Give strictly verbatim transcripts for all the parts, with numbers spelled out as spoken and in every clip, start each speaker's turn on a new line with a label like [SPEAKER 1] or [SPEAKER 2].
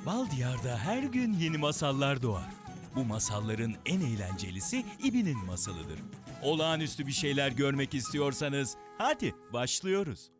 [SPEAKER 1] Bal Diyar'da her gün yeni masallar doğar. Bu masalların en eğlencelisi İbi'nin masalıdır. Olağanüstü bir şeyler görmek istiyorsanız hadi başlıyoruz.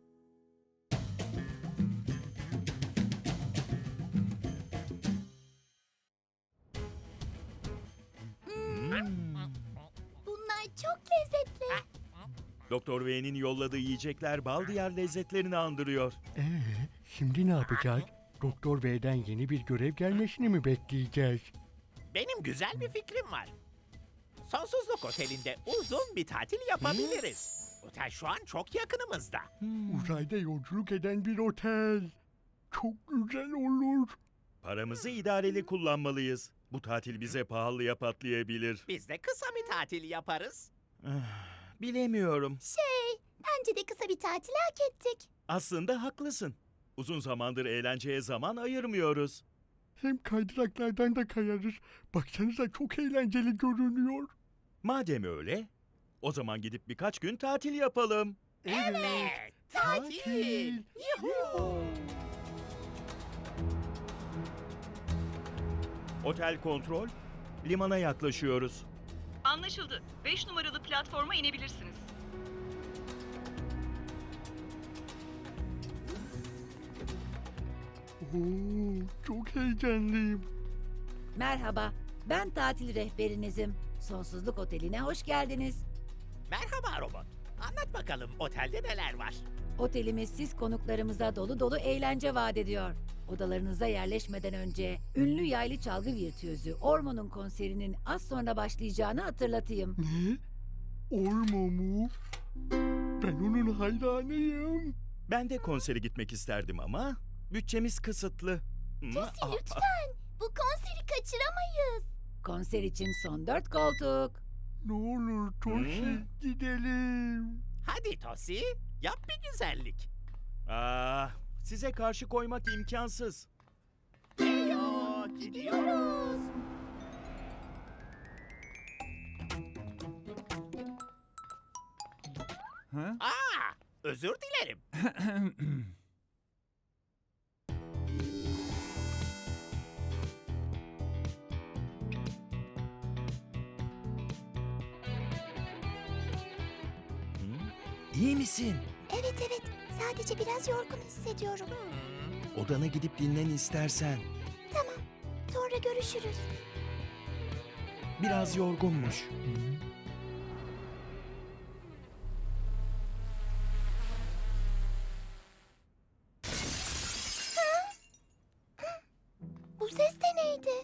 [SPEAKER 2] Bunlar çok lezzetli.
[SPEAKER 1] Doktor V'nin yolladığı yiyecekler Bal Diyar lezzetlerini andırıyor.
[SPEAKER 3] Ee, şimdi ne yapacağız? Doktor V'den yeni bir görev gelmesini mi bekleyeceğiz?
[SPEAKER 4] Benim güzel bir fikrim var. Sonsuzluk Oteli'nde uzun bir tatil yapabiliriz. Otel şu an çok yakınımızda.
[SPEAKER 3] Uzayda yolculuk eden bir otel. Çok güzel olur.
[SPEAKER 1] Paramızı idareli kullanmalıyız. Bu tatil bize pahalıya patlayabilir.
[SPEAKER 4] Biz de kısa bir tatil yaparız.
[SPEAKER 1] Bilemiyorum.
[SPEAKER 2] Şey, bence de kısa bir tatil hak ettik.
[SPEAKER 1] Aslında haklısın. Uzun zamandır eğlenceye zaman ayırmıyoruz.
[SPEAKER 3] Hem kaydıraklardan da kayarız. Baksanıza çok eğlenceli görünüyor.
[SPEAKER 1] Madem öyle, o zaman gidip birkaç gün tatil yapalım.
[SPEAKER 4] Evet, tatil. Yuhuu.
[SPEAKER 1] Otel kontrol, limana yaklaşıyoruz.
[SPEAKER 5] Anlaşıldı. beş numaralı platforma inebilirsiniz.
[SPEAKER 3] Oo, çok heyecanlıyım.
[SPEAKER 6] Merhaba, ben tatil rehberinizim. Sonsuzluk Oteli'ne hoş geldiniz.
[SPEAKER 4] Merhaba robot. Anlat bakalım otelde neler var?
[SPEAKER 6] Otelimiz siz konuklarımıza dolu dolu eğlence vaat ediyor. Odalarınıza yerleşmeden önce ünlü yaylı çalgı virtüözü Ormo'nun konserinin az sonra başlayacağını hatırlatayım.
[SPEAKER 3] Ne? Ormo mu? Ben onun hayranıyım.
[SPEAKER 1] Ben de konsere gitmek isterdim ama bütçemiz kısıtlı.
[SPEAKER 2] Tosi lütfen, bu konseri kaçıramayız.
[SPEAKER 6] Konser için son dört koltuk.
[SPEAKER 3] Ne olur Toshi gidelim.
[SPEAKER 4] Hadi Tosi, yap bir güzellik.
[SPEAKER 1] Ah, size karşı koymak imkansız.
[SPEAKER 4] Heyo, gidiyoruz. Aa, özür dilerim.
[SPEAKER 1] İyi misin?
[SPEAKER 2] Evet evet, sadece biraz yorgun hissediyorum.
[SPEAKER 1] Odana gidip dinlen istersen.
[SPEAKER 2] Tamam, sonra görüşürüz.
[SPEAKER 1] Biraz yorgunmuş.
[SPEAKER 2] Bu ses de neydi?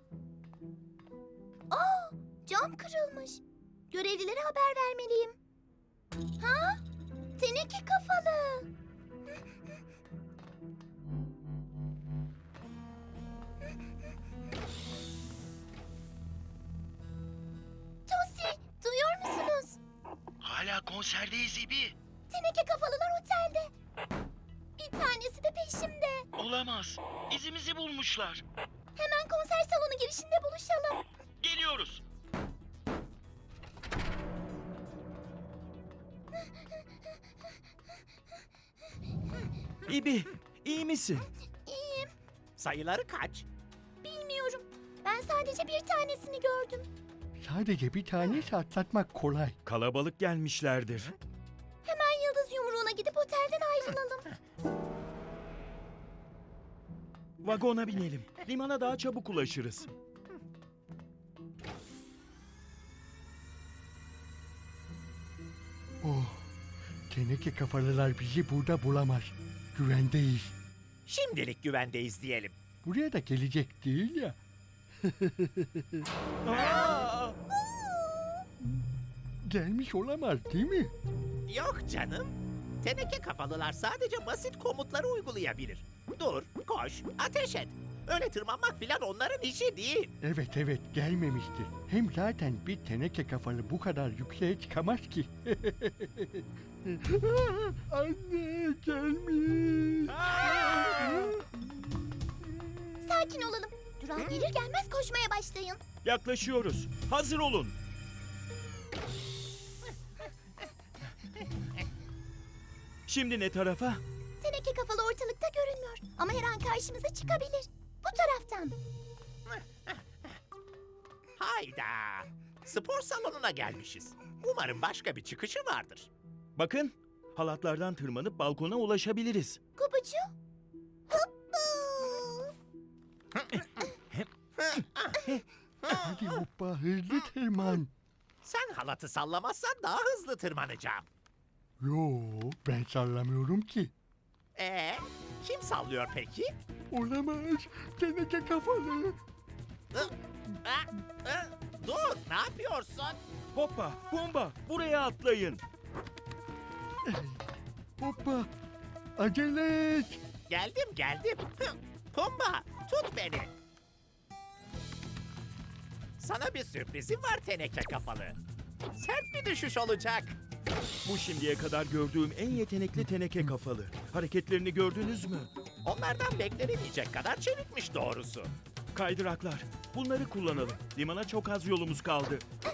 [SPEAKER 2] Aa, cam kırılmış. Görevlilere haber vermeliyim. Ha? Teneke kafalı. Tosi, duyuyor musunuz?
[SPEAKER 1] Hala konserdeyiz İbi.
[SPEAKER 2] Teneke kafalılar otelde. Bir tanesi de peşimde.
[SPEAKER 1] Olamaz. İzimizi bulmuşlar.
[SPEAKER 2] Hemen konser salonu girişinde buluşalım.
[SPEAKER 1] Geliyoruz. İbi, iyi misin?
[SPEAKER 2] İyiyim,
[SPEAKER 4] Sayıları kaç?
[SPEAKER 2] bilmiyorum. Ben sadece bir tanesini gördüm.
[SPEAKER 3] Sadece bir tanesi atlatmak kolay.
[SPEAKER 1] Kalabalık gelmişlerdir.
[SPEAKER 2] Hemen yıldız yumruğuna gidip otelden ayrılalım.
[SPEAKER 1] Vagona binelim. Limana daha çabuk ulaşırız.
[SPEAKER 3] Oh, teneke kafalılar bizi burada bulamaz. Güvendeyiz.
[SPEAKER 4] Şimdilik güvendeyiz diyelim.
[SPEAKER 3] Buraya da gelecek değil ya.
[SPEAKER 1] Aa!
[SPEAKER 3] Gelmiş olamaz değil mi?
[SPEAKER 4] Yok canım. Teneke kafalılar sadece basit komutları uygulayabilir. Dur, koş, ateş et. Öyle tırmanmak filan onların işi değil.
[SPEAKER 3] Evet evet gelmemiştir. Hem zaten bir teneke kafalı bu kadar yükseğe çıkamaz ki. Anne gelmiş.
[SPEAKER 2] Sakin olalım. Durağa gelir gelmez koşmaya başlayın.
[SPEAKER 1] Yaklaşıyoruz. Hazır olun. Şimdi ne tarafa?
[SPEAKER 2] Teneke kafalı ortalıkta görünmüyor. Ama her an karşımıza çıkabilir. Bu taraftan.
[SPEAKER 4] Hayda. Spor salonuna gelmişiz. Umarım başka bir çıkışı vardır.
[SPEAKER 1] Bakın, halatlardan tırmanıp balkona ulaşabiliriz.
[SPEAKER 2] Gubucu. Hoppa.
[SPEAKER 3] Hadi hoppa hızlı tırman.
[SPEAKER 4] Sen halatı sallamazsan daha hızlı tırmanacağım.
[SPEAKER 3] Yo, ben sallamıyorum ki.
[SPEAKER 4] Ee, kim sallıyor peki?
[SPEAKER 3] Olamaz. Teneke kafalı.
[SPEAKER 4] Hı, ha, hı, Dur, ne yapıyorsun?
[SPEAKER 1] Hoppa, bomba, buraya atlayın.
[SPEAKER 3] Hoppa. Acele et.
[SPEAKER 4] Geldim, geldim. Hı, Pumba, tut beni. Sana bir sürprizim var teneke kafalı. Sert bir düşüş olacak.
[SPEAKER 1] Bu şimdiye kadar gördüğüm en yetenekli teneke kafalı. Hareketlerini gördünüz mü?
[SPEAKER 4] Onlardan beklenemeyecek kadar çevikmiş doğrusu.
[SPEAKER 1] Kaydıraklar. Bunları kullanalım. Limana çok az yolumuz kaldı.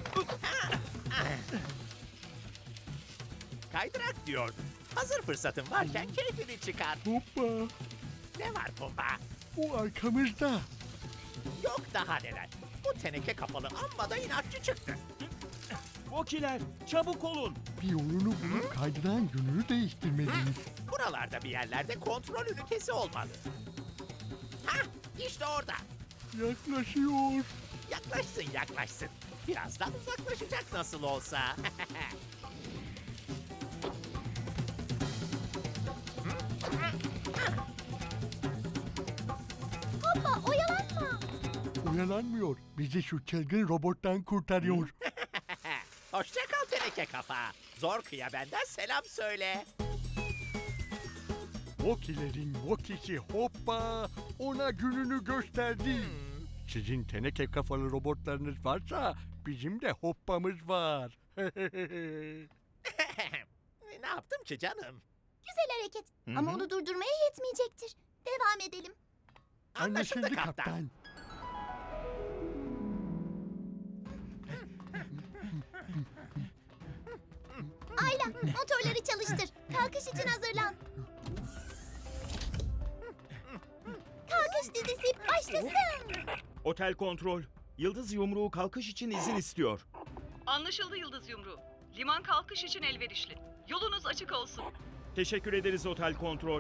[SPEAKER 4] Kaydırak diyordum. Hazır fırsatın varken keyfini çıkar.
[SPEAKER 3] Hoppa.
[SPEAKER 4] Ne var Pumba?
[SPEAKER 3] O arkamızda.
[SPEAKER 4] Yok daha neler. Bu teneke kafalı amma da inatçı çıktı.
[SPEAKER 1] Vokiler, çabuk olun.
[SPEAKER 3] Bir yolunu bulup kaydıran yönünü değiştirmeliyiz.
[SPEAKER 4] Buralarda bir yerlerde kontrol ünitesi olmalı. Hah, işte orada.
[SPEAKER 3] Yaklaşıyor.
[SPEAKER 4] Yaklaşsın yaklaşsın. Birazdan uzaklaşacak nasıl olsa.
[SPEAKER 2] Hoppa oyalanma.
[SPEAKER 3] Oyalanmıyor. Bizi şu çılgın robottan kurtarıyor.
[SPEAKER 4] Hoşça kal teneke kafa. Zor kıya benden selam söyle.
[SPEAKER 3] Vokilerin Vokisi hoppa. Ona gününü gösterdi. Sizin teneke kafalı robotlarınız varsa bizim de hoppamız var.
[SPEAKER 4] Ne yaptım ki canım?
[SPEAKER 2] Güzel hareket. Ama onu durdurmaya yetmeyecektir. Devam edelim.
[SPEAKER 4] Anlaşıldı kaptan.
[SPEAKER 2] Ayla motorları çalıştır. Kalkış için hazırlan. Kalkış dizisi başlasın.
[SPEAKER 1] Otel kontrol. Yıldız yumruğu kalkış için izin istiyor.
[SPEAKER 5] Anlaşıldı Yıldız Yumruğu. Liman kalkış için elverişli. Yolunuz açık olsun.
[SPEAKER 1] Teşekkür ederiz otel kontrol.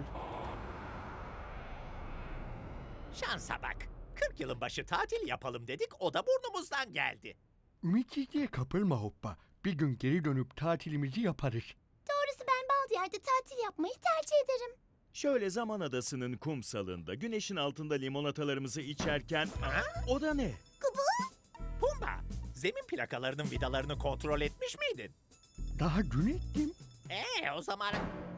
[SPEAKER 4] Şansa bak. kırk yılın başı tatil yapalım dedik, o da burnumuzdan geldi.
[SPEAKER 3] Ümitsizliğe kapılma hoppa. Bir gün geri dönüp tatilimizi yaparız.
[SPEAKER 2] Doğrusu ben Baldiyar'da tatil yapmayı tercih ederim.
[SPEAKER 1] Şöyle Zaman Adası'nın kumsalında güneşin altında limonatalarımızı içerken... Aa, o da ne?
[SPEAKER 4] Pumba, zemin plakalarının vidalarını kontrol etmiş miydin?
[SPEAKER 3] Daha dün ettim.
[SPEAKER 4] Ee, o zaman...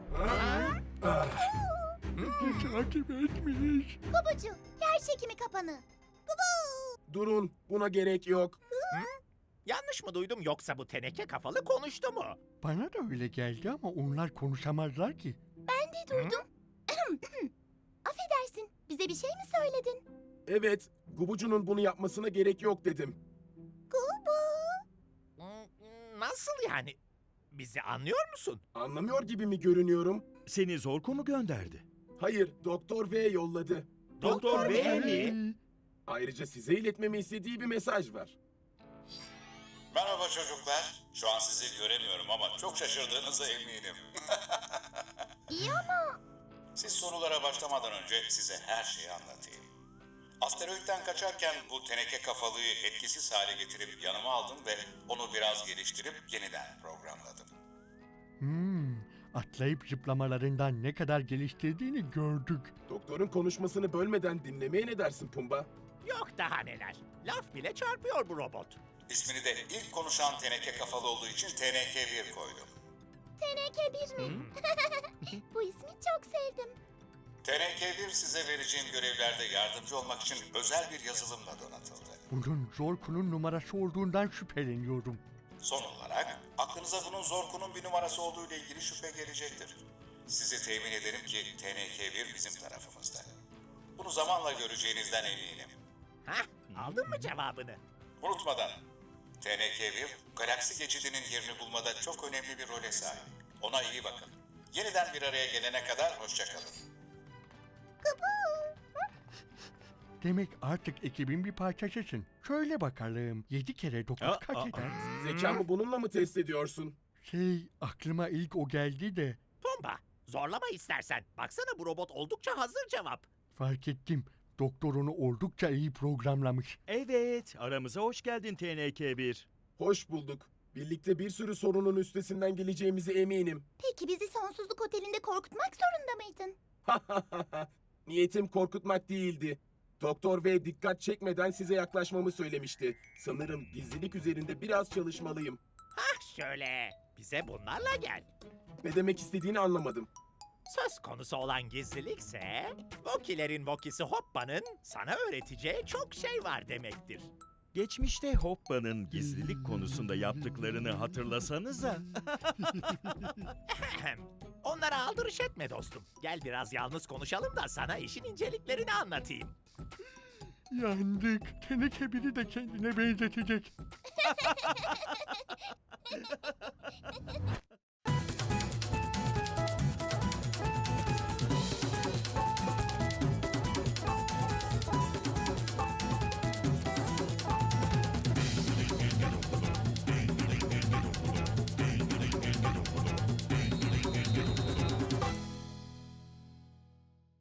[SPEAKER 3] Takip etmiş.
[SPEAKER 2] Gubucu yer çekimi kapanı.
[SPEAKER 7] Durun, buna gerek yok.
[SPEAKER 4] Yanlış mı duydum yoksa bu teneke kafalı konuştu mu?
[SPEAKER 3] Bana da öyle geldi ama onlar konuşamazlar ki.
[SPEAKER 2] Ben de duydum. Affedersin. Bize bir şey mi söyledin?
[SPEAKER 7] Evet, Gubucu'nun bunu yapmasına gerek yok dedim.
[SPEAKER 2] Gubu.
[SPEAKER 4] Hmm, Nasıl yani? Bizi anlıyor musun?
[SPEAKER 7] Anlamıyor gibi mi görünüyorum?
[SPEAKER 1] Seni Zorko mu gönderdi?
[SPEAKER 7] Hayır, Doktor V yolladı.
[SPEAKER 1] Doktor V mi?
[SPEAKER 7] Ayrıca size iletmemi istediği bir mesaj var.
[SPEAKER 8] Merhaba çocuklar. Şu an sizi göremiyorum ama çok şaşırdığınıza eminim.
[SPEAKER 2] İyi ama
[SPEAKER 8] Siz sorulara başlamadan önce size her şeyi anlatayım. Asteroitten kaçarken bu teneke kafalıyı etkisiz hale getirip yanıma aldım ve onu biraz geliştirip yeniden programladım.
[SPEAKER 3] Hmm, atlayıp zıplamalarından ne kadar geliştirdiğini gördük.
[SPEAKER 7] Doktorun konuşmasını bölmeden dinlemeye ne dersin Pumba?
[SPEAKER 4] Yok daha neler. Laf bile çarpıyor bu robot.
[SPEAKER 8] İsmini de ilk konuşan teneke kafalı olduğu için T N K bir koydum.
[SPEAKER 2] T N K bir mi? Bu ismi çok sevdim.
[SPEAKER 8] T N K bir size vereceğim görevlerde yardımcı olmak için özel bir yazılımla donatıldı.
[SPEAKER 3] Bunun Zorko'nun numarası olduğundan şüpheleniyorum.
[SPEAKER 8] Son olarak aklınıza bunun Zorko'nun bir numarası olduğu ile ilgili şüphe gelecektir. Size temin ederim ki T N K bir bizim tarafımızda. Bunu zamanla göreceğinizden eminim.
[SPEAKER 4] Hah, aldın mı cevabını?
[SPEAKER 8] Unutmadan, T N K bir galaksi geçidinin yerini bulmada çok önemli bir role sahip. Ona iyi bakın. Yeniden bir araya gelene kadar hoşça kalın.
[SPEAKER 3] Demek artık ekibin bir parçasısın. Söyle bakalım, yedi kere dokuz
[SPEAKER 1] Aa,
[SPEAKER 3] kaç
[SPEAKER 1] aa.
[SPEAKER 3] eder?
[SPEAKER 7] Zekamı bununla mı test ediyorsun?
[SPEAKER 3] Şey, aklıma ilk o geldi de.
[SPEAKER 4] Pumba, zorlama istersen. Baksana bu robot oldukça hazır cevap.
[SPEAKER 3] Fark ettim. Doktor onu oldukça iyi programlamış.
[SPEAKER 1] Evet, aramıza hoş geldin T N K bir.
[SPEAKER 7] Hoş bulduk. Birlikte bir sürü sorunun üstesinden geleceğimize eminim.
[SPEAKER 2] Peki bizi sonsuzluk otelinde korkutmak zorunda mıydın?
[SPEAKER 7] Niyetim korkutmak değildi. Doktor V dikkat çekmeden size yaklaşmamı söylemişti. Sanırım gizlilik üzerinde biraz çalışmalıyım.
[SPEAKER 4] Hah şöyle, bize bunlarla gel.
[SPEAKER 7] Ne demek istediğini anlamadım.
[SPEAKER 4] Söz konusu olan gizlilikse, Vokilerin Vokisi Hoppa'nın sana öğreteceği çok şey var demektir.
[SPEAKER 1] Geçmişte Hoppa'nın gizlilik konusunda yaptıklarını hatırlasanıza.
[SPEAKER 4] Ahem. Onlara aldırış etme dostum. Gel biraz yalnız konuşalım da sana işin inceliklerini anlatayım.
[SPEAKER 3] Yandık. Teneke biri de kendine benzetecek.